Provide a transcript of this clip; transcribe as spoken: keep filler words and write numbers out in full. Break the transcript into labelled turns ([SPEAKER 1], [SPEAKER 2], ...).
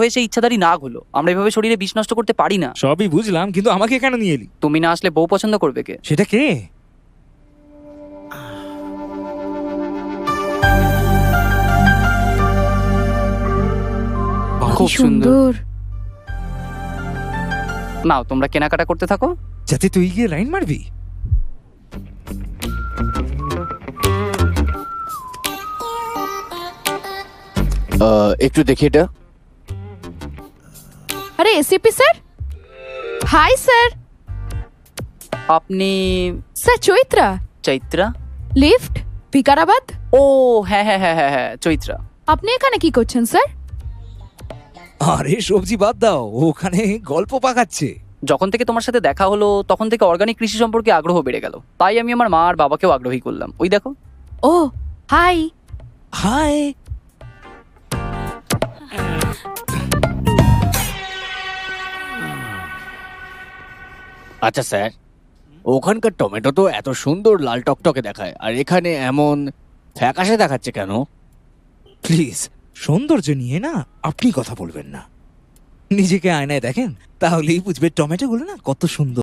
[SPEAKER 1] হয়ে সেই ইচ্ছাধারী নাগ হলো। আমরা এভাবে শরীরে বিষ নষ্ট করতে পারি না।
[SPEAKER 2] সবই বুঝলাম, কিন্তু আমাকে কেন নিয়ে এলি?
[SPEAKER 1] তুমি না আসলে বউ পছন্দ করবে কে?
[SPEAKER 2] সেটা কে?
[SPEAKER 1] খুব সুন্দর। নাও তোমরা কেনাকাটা করতে থাকো।
[SPEAKER 2] যাতে তুই গিয়ে লাইন মারবি।
[SPEAKER 3] আহ, একটু দেখি এটা।
[SPEAKER 4] আরে এসিপি স্যার, হাই স্যার।
[SPEAKER 1] আপনি
[SPEAKER 4] স্যার চৈত্রা,
[SPEAKER 1] চৈত্রা?
[SPEAKER 4] লিফট ভিকারাবাদ।
[SPEAKER 1] ও হ্যাঁ হ্যাঁ হ্যাঁ হ্যাঁ হ্যাঁ চৈত্রা।
[SPEAKER 4] আপনি এখানে কি করছেন স্যার?
[SPEAKER 2] আরে সবজি বাদ দাও, ও ওখানে গল্প পাকাচ্ছে।
[SPEAKER 1] যখন থেকে তোমার সাথে দেখা হলো তখন থেকে অর্গানিক কৃষি সম্পর্কে আগ্রহ বেড়ে গেল, তাই আমি আমার মা আর বাবাকেও আগ্রহী করলাম। ওই দেখো।
[SPEAKER 4] ও হাই।
[SPEAKER 2] হাই।
[SPEAKER 3] আচ্ছা স্যার, ওখানকার টমেটো তো এত সুন্দর লাল টকটকে দেখায়, আর এখানে এমন ফ্যাকাশে দেখাচ্ছে কেন?
[SPEAKER 2] প্লিজ, সৌন্দর্য নিয়ে না আপনি কথা বলবেন না। নিজেকে আয়নায় দেখেন, তাহলেই বুঝবে টমেটোগুলো না কত সুন্দর।